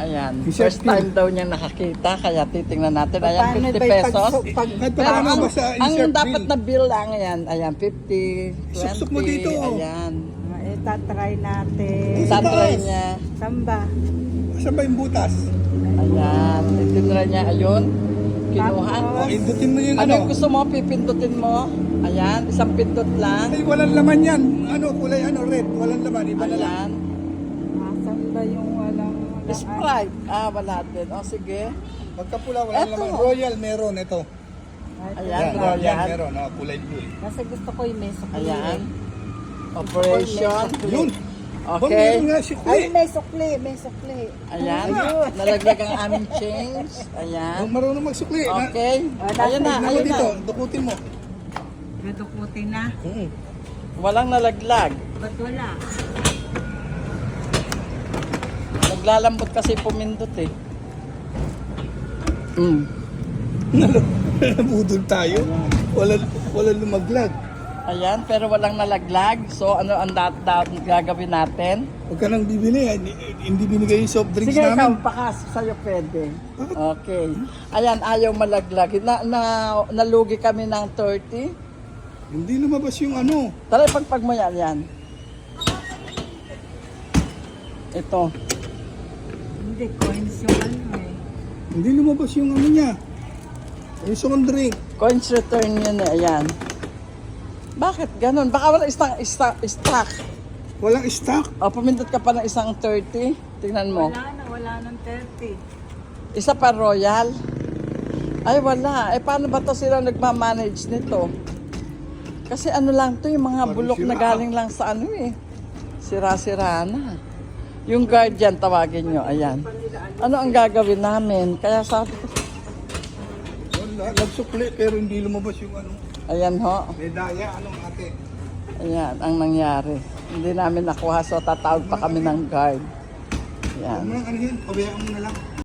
Ayan. Yung First shark time daw niya nakakita, kaya titingnan natin. Ayan, 50 pesos. Kahit Pero paano ang, ba sa ang insert dapat bill? na bill lang, ayan, ayan, 50, 20, Suksok mo dito. ayan. Itatry natin. Itatry niya. Samba. Saan ba yung butas? Ayan, itinry niya, ayun. Kinuha. O, indutin mo yung Ano ano. yung gusto mo? Pipindutin mo? Ayan, isang pindot lang. Ay, walang laman yan. Ano, kulay ano, red. Walang laman, iba na lang. Ayan. Samba yung walang... Sprite. Wala din. O, sige. Pagkapula, walang Eto. laman. Royal, meron. Ito. Ayan, Yan, Royal. meron. Kulay blue. Kasi gusto ko yung may sukli. Ayan. Operation. Yun. Okay. Meron nga si Ay, Kuya. may sukli, may sukli. Ayan. Nalaglag ang aming change. Ayan. Marunong magsukli. Okay. Ayan na, Tignan mo ayun dito. na. Dukutin mo. Nadukutin na. Walang nalaglag. Ba't wala? Naglalambot kasi pumindot eh. Nabudol tayo. Walang lumaglag. Ayan, pero walang nalaglag. So, ano ang gagawin natin? Huwag ka nang bibili. Hindi binigay yung soft drinks Sige, ikaw, namin. baka sa'yo pwede. Okay. Ayan, ayaw malaglag. Nalugi kami ng 30. Hindi lumabas yung ano. Tara, ipagpag mo yan. Ito. Hindi, coins yung ano eh. Hindi lumabas yung ano niya. Yung soft drink. Coins return yun eh. Ayan. Bakit ganun? Baka wala stock. Walang stock. O, pumindot ka pa ng isang 30. Tingnan mo. Wala nang 30. Isa pa Royal. Ay, wala. Paano ba to sila nagmamanage nito? Kasi ano lang to, yung mga Parang bulok na sira. galing lang sa ano eh. Sira-sira na. Yung guardian, tawagin nyo. Ayan. Ano ang gagawin namin? Kaya sabi ko, Wala. Nagsukli pero hindi lumabas yung ano. ayan ho. Medaya, anong ate? Ayan, ang nangyari. Hindi namin nakuha, so tatawag pa kami ng guard. Ayan. Ano yan? Pabayaan mo na lang.